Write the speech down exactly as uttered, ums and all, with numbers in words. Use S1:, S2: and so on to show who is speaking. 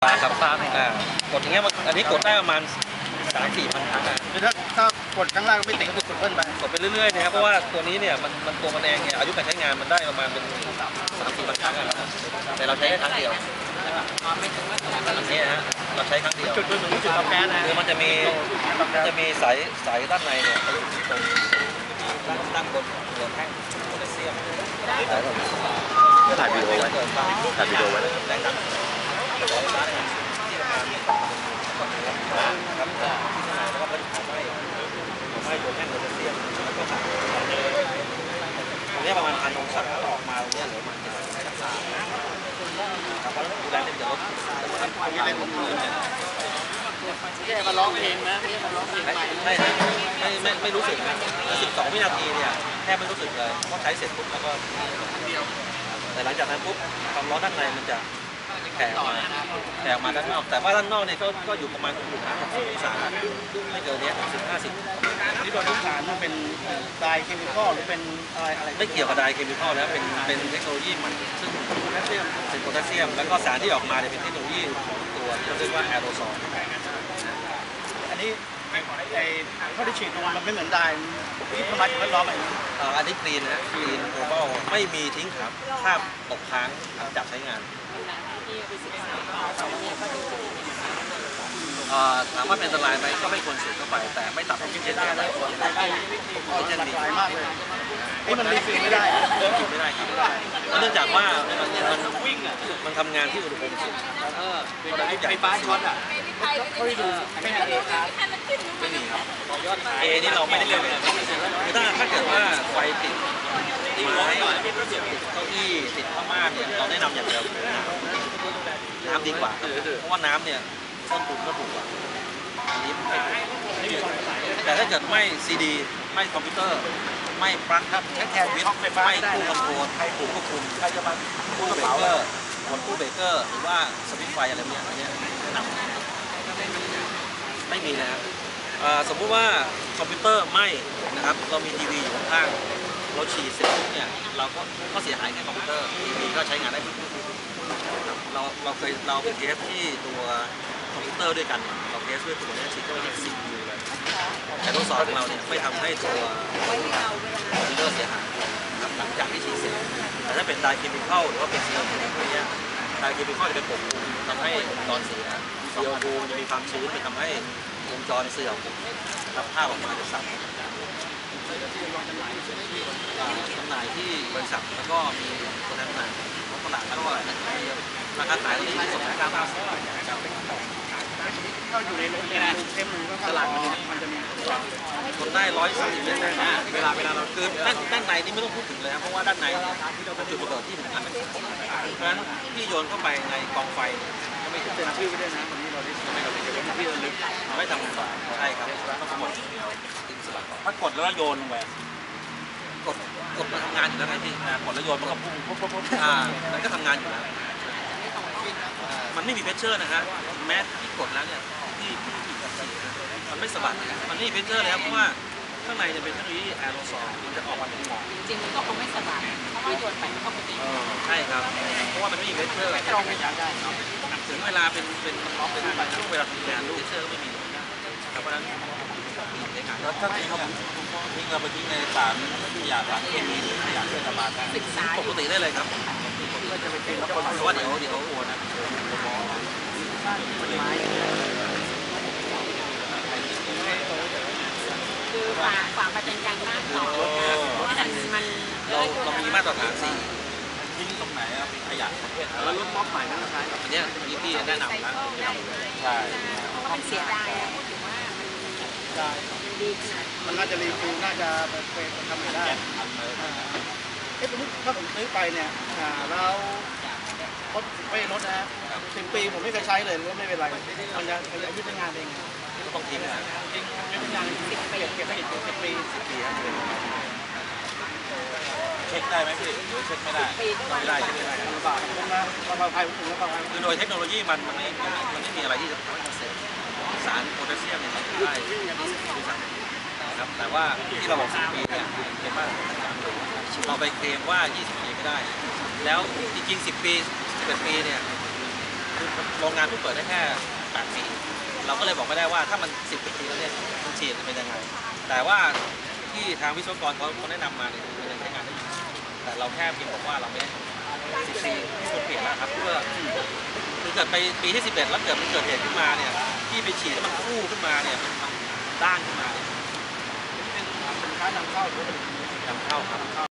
S1: ครับอ่ากดอย่างเงี้ยอันนี้กดได้ประมาณสามสี่พันครั้งอ่ะ
S2: คือถ้าถ้ากดครั้งแรกก็ไม่ติดก็กดเพิ่มไป
S1: กดไปเรื่อยๆนะครับเพราะว่าตัวนี้เนี่ยมันมันตัวมันเองเนี่ยอายุการใช้งานมันได้ประมาณเป็นสามสี่พันครั้งอ่ะแต่เราใช้แค่ครั้งเดียวอันนี้ฮะเราใช้ครั้งเดียว
S2: จุดจุดจุดจุดเอาแก๊สนะ
S1: คือมันจะมีมันจะมีสายสายด้านในเนี่ยไปอยู่ที่ตรงด้านด้านบนหัวแท่งโพแทสเซียม
S3: ถ่ายวิดีโอไว้ถ่ายวิดีโอไว้
S1: แรงดันครับแล้วก็ผลิตไม้ไม้ตัวแท่งโพแทสเซียมแล้วก็ผ่านตรงนี้ประมาณพันองศาออกมาตรงนี้เหลือประมาณเจ็ดสิบองศาครับเพราะดูแลเนี่ยจะลด
S2: นี่เล่นผมเลยแค่มาร้องเพลงนะนี่มาร้องเพลงใหม่
S1: ไม่ไม่ไม่ไม่รู้สึกนะสิบสองวินาทีเนี่ยแทบไม่รู้สึกเลยเพราะใช้เสร็จปุ๊บแล้วก็แต่หลังจากนั้นปุ๊บความร้อนด้านในมันจะแผ่ออกมาแผ่ออกมาด้านนอกแต่ว่าด้านนอกเนี่ยก็ก็อยู่ประมาณอยู่ห้าสิบองศาไม่เกินนี้สิบห้าสิบ
S2: นี่โดยพื้นฐานมันเป็นไดเคมีคอลหรือเป็นอะไรอะไร
S1: ไม่เกี่ยวกับไดเคมีคอลแล้วเป็นเป็นเทคโนโลยีใหม่ซึ่งโพแทสเซียมเป็นโพแทสเซียมแล้วก็สารที่ออกมาเนี่ยเป็นเทคโนโลยีตัวที่เราเรียกว่าแอโรซอล
S2: อันนี้ไอ้ข้อที่ฉีดมันไม่เหมือนไดที่ทำลายสิ่งแวดล้อมอะไร
S1: อันนี้กรีนนะกรีนโกลบอลไม่มีทิ้งครับภาพตกค้างหลังจากใช้งานถามว่าเป็นอันตรายไหมก็ไม่ควรสูดเข้าไปแต่ไม่ตัดออกซิเจนได้เลยออกซิเจนดี
S2: มากเลยนี่มันรีฟิลไม่ได้
S1: กินไม่ได้กินไม่ได้เนื่องจากว่ามันมันวิ่งอ่ะมันทำงานที่อุณหภูมิสูง
S2: เออไฟฟ้าช็อตอ่ะเขาได้ดูไม่มีเอครับ
S1: ไม่มีครับเอนี่เราไม่ได้เล่นเลยคือถ้าถ้าเกิดว่าไฟติดไม้ติดเก้าอี้ติดผ้าม่านเนี่ยเราแนะนำอย่างเดียวน้ำดีกว่าเพราะว่าน้ำเนี่ยต้นทุนก็ถูกกว่าอันนี้แต่ถ้าเกิดไม่ซีดีไม่คอมพิวเตอร์ไม่ปลั๊กครับแค่แทนวิทย์ไม่คู่คอนโทรลให้คู่ควบคุมใครจะมาคู่เบรกเกอร์กดคู่เบรกเกอร์หรือว่าสวิตช์ไฟอะไรเนี้ยอันนี้แนะนำไม่มีนะครับสมมุติว่าคอมพิวเตอร์ไม่นะครับเรามีทีวีอยู่ข้างเราฉีดเสร็จปุ๊บเนี่ยเราก็ก็เสียหายแค่คอมพิวเตอร์ทีวีก็ใช้งานได้เหมือนกันเราเราเคยเราเป็นเทสที่ตัวคอมพิวเตอร์ด้วยกันเราเทสด้วยตัวนี้ฉีดเข้าไปที่ซีพียูเลยแต่ทดสอบของเราเนี่ยไม่ทำให้ตัวคอมพิวเตอร์เสียหายหลังจากที่ฉีดเสร็จแต่ถ้าเป็นไดเคมีคอลหรือว่าเป็นซีโอทูพวกนี้ไดเคมีคอลจะเป็นปกคลุมทำให้วงจรเสียซีโอทูจะมีความชื้นไปทำให้วงจรเสื่อมรับภาพออกมาจะสั่นจำหน่ายที่บริษัทแล้วก็มีคนจำหน่ายของตลาดก็ราคาขายตอนนี้สองร้อยเก้าสิบ
S2: เข้าอยู่ในโรงเรียนเทมก็ตลาดมันจะมี
S1: คนได้ร้อยสามสิบเมตรนะเวลาเวลาเราคือด้านด้านในนี่ไม่ต้องพูดถึงเลยนะเพราะว่าด้านในเป็นจุดระเบิดที่สำคัญเพราะฉะนั้นที่โยนเข้าไปในกองไฟก็ไม่ถึง
S2: เซ็นชื่อไม่ได้นะวันนี้เราได้ไม่เราได้เก็บไว้ที่ระลึก
S1: ไม่ทำฝ่าใช่ครับต้องกด
S2: ถ้ากดแล้วโยนลงไป
S1: กดกดมันทำงานอยู่แล้วไงพี่กดแล้วโยนมันก็พุ่งปุ๊บปุ๊บปุ๊บอ่ามันก็ทำงานอยู่แล้วมันไม่มีเพชเชอร์นะฮะแม้ที่กดแล้วเนี่ยที่ที่มันไม่สะบัดมันไม่มีเพชเชอร์เลยครับเพราะว่าข้างในจะเป็นเทคโนโลยีแอโรซอลมันจะออกมาเป็นหมอก
S4: จริงๆก็คงไม่สะบัดเพราะว่าโยนไปมันก็ปกติ
S1: ใช่ครับเพราะว่ามันไม่มีเพชเชอร์
S2: ตรงไม่อยากได้
S1: ถึงเวลาเป็นเป็นเป็นช่วงเวลาทำงานเพชเชอร์ก็ไม่มีครับเพราะฉะนั้น
S3: แล้วถ้าทิ้งทิ้งเราไปทิ้งในสารขยะสารเคมีหรือขยะเทศบาลได้
S1: ปกติได้เลยครับเพราะว่าเดี๋ยวเดี๋ยวโอนนะ
S4: คือฝากฝากมาเป็นการบ้านต่อเพราะว่ามัน
S1: เราเรามีมาตรฐานสี่
S3: ทิ้งตรงไหนครับขยะประเภท
S2: แล้วรถม็อบใหม่นั่นใช่
S1: อันนี้อันนี้พี่แนะนำนะ
S3: ใช่
S4: เพราะว่ามันเสียดายพูดถึงว่ามันดีขนาด
S2: มันน่าจะรีฟิลน่าจะเป็นทำได้เอ๊ะสมมติถ้าผมซื้อไปเนี่ยเรารถไม่รถนะสิบปีผมไม่เคยใช้เลยก็ไม่เป็นไรมันจะมันจะยืดงานเอง
S1: ก็ต้องทิ้งนะ
S2: ทิ้งยืดงานสิบปีเก็บได้อีกสิบปีสิบปี
S3: เช็คได้ไหมพี่หรือเช็คไม่ได้
S1: ไม่ได้เช็คไม่ได้
S2: ลำบากนะความปลอดภัยผมถึงความปลอดภัย
S1: คือโดยเทคโนโลยีมันมันไม่มันไม่มีอะไรที่จะทำให้มันเสร็จสารโพแทสเซียมเนี่ยได้ครับแต่ว่าที่เราบอกสิบปีเนี่ยเป็นว่าเราไปเคลมว่ายี่สิบปีไม่ได้แล้วจริงๆสิบปีสิบเอ็ดปีเนี่ยคือโรงงานเพิ่งเปิดได้แค่แปดปีเราก็เลยบอกไม่ได้ว่าถ้ามันสิบปีแล้วเนี่ยมันฉีดจะเป็นยังไงแต่ว่าที่ทางวิศวกรเขาเขาแนะนำมาเนี่ยมันยังใช้งานได้อยู่แต่เราแค่เพียงบอกว่าเราไม่ได้สิบปีที่ควรเปลี่ยนแล้วครับเพื่อคือเกิดไปปีที่สิบเอ็ดแล้วเกิดมันเกิดเหตุขึ้นมาเนี่ยที่ไปฉีดแล้วมันฟู่ขึ้นมาเนี่ยมันด้านขึ้นมาเนี่ย
S2: เป็นสินค้านำเข้าหรือว่าเป็น
S1: นำเข้าครับ